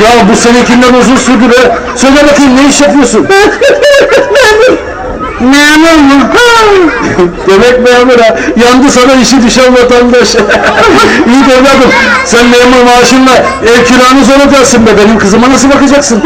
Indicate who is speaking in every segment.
Speaker 1: Ya bu seninkinden uzun sürdü be. Söyle bakayım ne iş yapıyorsun?
Speaker 2: Memur mu?
Speaker 1: Demek memur ha. Yandı sana işi düşen vatandaş. İyi de evladım. Sen memur maaşınla ev kiranı zor ödersin be. Benim kızıma nasıl bakacaksın?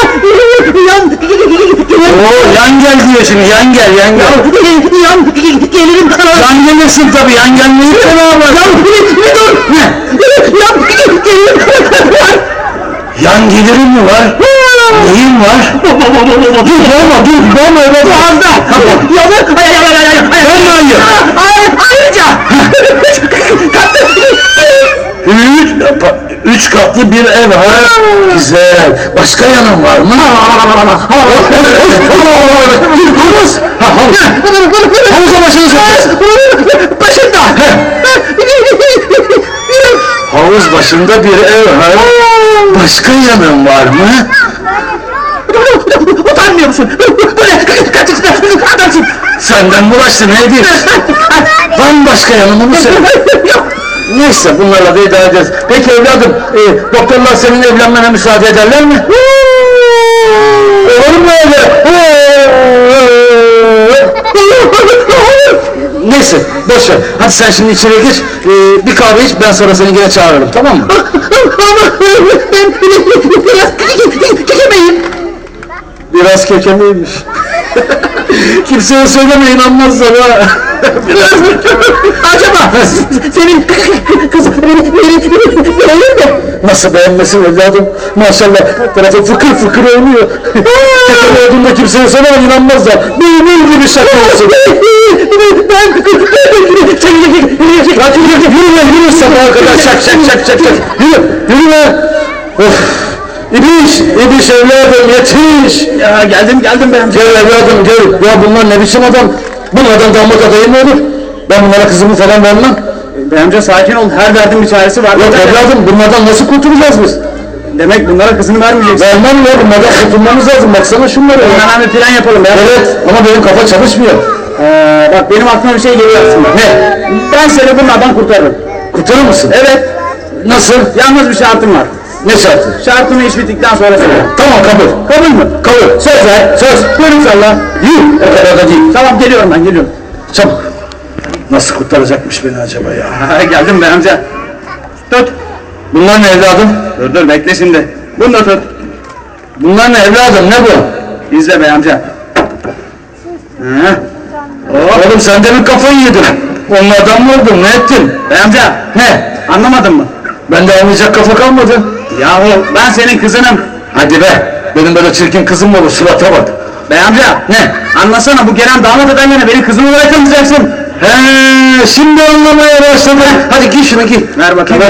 Speaker 1: Oo, yan gel diyor şimdi. Yan gel, yan gel.
Speaker 2: Gelirim sana.
Speaker 1: Yan gelirsin tabii. Yan gelmeyi fena var.
Speaker 2: Dur.
Speaker 1: Ne?
Speaker 2: Gelirim.
Speaker 1: Yan gelirim mi var? Neyin var? Dur boğma evladım.
Speaker 2: Boğazda. Ayrıca.
Speaker 1: Üç katlı bir ev ha. Güzel. Başka yanın var mı? Havuz. Havuza başını sokarsın.
Speaker 2: Başında.
Speaker 1: Havuz başında bir ev ha. Başka yanın var mı?
Speaker 2: Utanmıyor musun? Böyle kaçıksın adamsın.
Speaker 1: Senden bulaştı ne edeyim? Bambaşka yanımı mı söyle? Neyse bunlarla da idare ederiz. Peki evladım, doktorlar senin evlenmene müsaade ederler mi? Olur mu öyle? Neyse boş ver. Hadi sen şimdi içeri gir. Bir kahve iç, ben sonra seni yine çağırırım, tamam mı?
Speaker 2: Ama ben biraz kekemeyim.
Speaker 1: Biraz kekeliymiş. Kimseye söyleme, inanmazlar ha.
Speaker 2: Acaba senin kızın beni beğenir mi?
Speaker 1: Nasıl beğenmesin evladım? Maşallah tarafı fıkır fıkır oynuyor. Kekel olduğunda kimseye söyleme, inanmazlar. Benim gibi şaka olsun. Hadi yürü sabaha kadar şak. Yürü be. Of. İbiş evladım yetiş.
Speaker 2: Ya geldim ben.
Speaker 1: Gel evladım gel. Ya bunlar ne biçim adam? Bunlardan damat adayı mı olur? Ben bunlara kızımı falan vermem.
Speaker 2: Bey amca sakin ol. Her derdin bir çaresi var.
Speaker 1: Yok evladım bunlardan nasıl kurtulacağız biz?
Speaker 2: Demek bunlara kızını vermeyeceksin.
Speaker 1: Vermem ya, bunlardan kurtulmamız lazım. Baksana şunlara ya.
Speaker 2: Hemen bir plan yapalım ya.
Speaker 1: Evet ama benim kafa çalışmıyor.
Speaker 2: Bak benim aklıma bir şey geliyor aslında.
Speaker 1: Ne?
Speaker 2: Ben seni bunlardan kurtarırım.
Speaker 1: Kurtarır mısın?
Speaker 2: Evet.
Speaker 1: Nasıl?
Speaker 2: Yalnız bir şartım var.
Speaker 1: Ne şartı?
Speaker 2: Şartımı iş bittikten sonra söyle.
Speaker 1: Tamam kabul.
Speaker 2: Kabul mü?
Speaker 1: Kabul. Söz ver. Söz.
Speaker 2: Buyurun salla.
Speaker 1: Yuh. O kadar da değil.
Speaker 2: Tamam geliyorum ben geliyorum.
Speaker 1: Çabuk. Nasıl kurtaracakmış beni acaba ya?
Speaker 2: Geldim bey amca. Tut.
Speaker 1: Bunlar ne evladım?
Speaker 2: Dur bekle şimdi. Bunu da tut.
Speaker 1: Bunlar ne evladım? Ne bu?
Speaker 2: İzle bey amca.
Speaker 1: Oğlum sen de mi kafayı yedin? Onlardan mı oldun? Ne ettin?
Speaker 2: Bey amca.
Speaker 1: Ne?
Speaker 2: Anlamadın mı?
Speaker 1: Bende anlayacak kafa kalmadı.
Speaker 2: Yahu ben senin kızınım.
Speaker 1: Hadi be. Benim böyle çirkin kızım mı olur? Surata bak.
Speaker 2: Bey amca.
Speaker 1: Ne?
Speaker 2: Anlasana bu gelen damat eden yana beni kızım olarak tanıyacaksın.
Speaker 1: He, şimdi anlamaya başladım. Hadi giy şunu giy.
Speaker 2: Ver bakayım.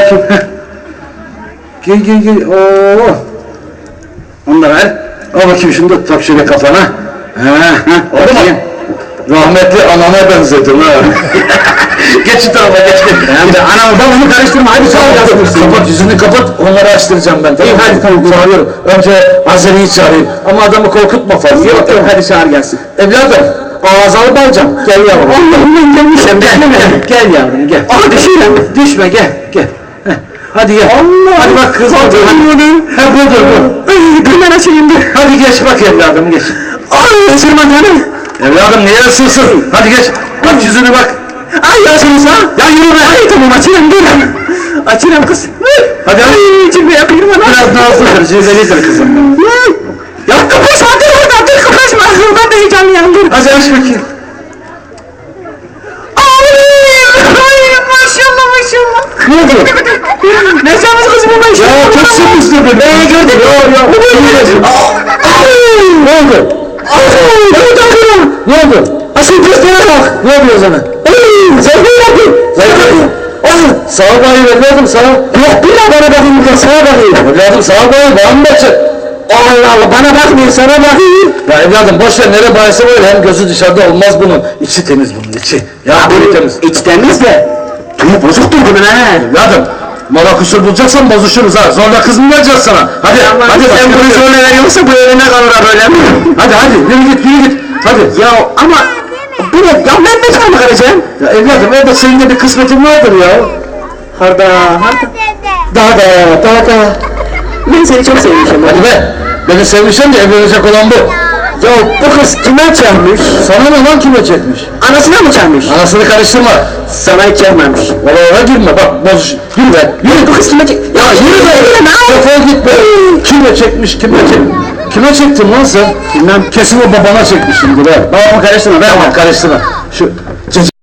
Speaker 1: Giy. Oo.
Speaker 2: Onu da ver.
Speaker 1: Al bakayım şunu da tak şöyle kafana. Oldu mu? Rahmetli anana benzedim ha. Geç şu tarafa geç.
Speaker 2: Anam babamı karıştırma hadi sağ ol.
Speaker 1: Kapat yüzünü kapat, onları açtıracağım ben. Tamam, hadi tamam çağırıyorum. Önce Azeri'yi çağırayım ama adamı korkutma fazla.
Speaker 2: Yok hadi çağır gelsin.
Speaker 1: Evladım, ağzalı balcam. Gel yavrum.
Speaker 2: Allah'ım gelmişim.
Speaker 1: Gel yavrum gel.
Speaker 2: Aa düşüyorum.
Speaker 1: Düşme gel. Heh, hadi gel.
Speaker 2: Allah.
Speaker 1: Hadi bak kız hadi. He budur bu.
Speaker 2: Hemen açayım bir.
Speaker 1: Hadi geç bak evladım geç.
Speaker 2: Ay ısırma canım.
Speaker 1: Evladım niye ısırsın? Hadi geç. Bak yüzüne bak.
Speaker 2: Ay yaşınız ha.
Speaker 1: Ya yürü be.
Speaker 2: Ay tamam açayım dur. Açayım kız.
Speaker 1: Hadi hadi.
Speaker 2: Ay cilve yapayım bana.
Speaker 1: Biraz nazlıdır, cilvelidir kızım.
Speaker 2: Ya kıpırşma dur orada dur kıpırşma. Ben de heyecanlıyım dur.
Speaker 1: Hadi aç bakayım.
Speaker 2: Ay maşallah.
Speaker 1: Ne oldu?
Speaker 2: Ne yapacağız kızım bu maşallah?
Speaker 1: Ya çok sıkıştı be.
Speaker 2: Gördün mü?
Speaker 1: Ya. Ne oldu? Ne oldu?
Speaker 2: Asıl göstere bak.
Speaker 1: Ne yapıyor sana?
Speaker 2: Zeytin yapayım.
Speaker 1: Zeytin. Sağa bakayım evladım sağa.
Speaker 2: Yok bir daha bana bakayım bir de sağa bakayım.
Speaker 1: Evladım sağa bakayım bana mı bakacak?
Speaker 2: Allah Allah bana bakmıyor sana bakayım.
Speaker 1: Ya evladım boş ver nereye bayası böyle hem gözü dışarıda olmaz bunun. İçi temiz bunun içi. Ya böyle temiz.
Speaker 2: İç temiz de. Tüyü bozuktur bunun ha.
Speaker 1: Evladım mola kusur bulacaksan bozuşuruz ha. Zorla kız mı vereceğiz sana? Hadi hadi
Speaker 2: Sen bunu zorla veriyorsa bu evine kalır ha böyle mi?
Speaker 1: Hadi yürü git. Hadi.
Speaker 2: Ya ama bu ne? Ya ben bekar mı kalacağım?
Speaker 1: Ya evladım evde senin de bir kısmetin vardır ya.
Speaker 2: Harda.
Speaker 1: Daha.
Speaker 2: Ben seni çok sevmişim.
Speaker 1: Hadi be! Beni sevmişsen de evlenecek olan bu.
Speaker 2: Ya bu kız kime çarpmış?
Speaker 1: Sana ne lan kime çekmiş?
Speaker 2: Anasına mı çarpmış?
Speaker 1: Anasını karıştırma.
Speaker 2: Sana hiç çarpmamış.
Speaker 1: Oralara girme bak bozuş. Yürü be. Yürü.
Speaker 2: Bu kız kime çek...
Speaker 1: Ya yürü be. Defol git be. Kime çekmiş kime çekmiş? Kime çektin lan sen? Bilmem. Kesin o babana çekmiş şimdi be.
Speaker 2: Babamı karıştırma.
Speaker 1: Tamam karıştırma. Şu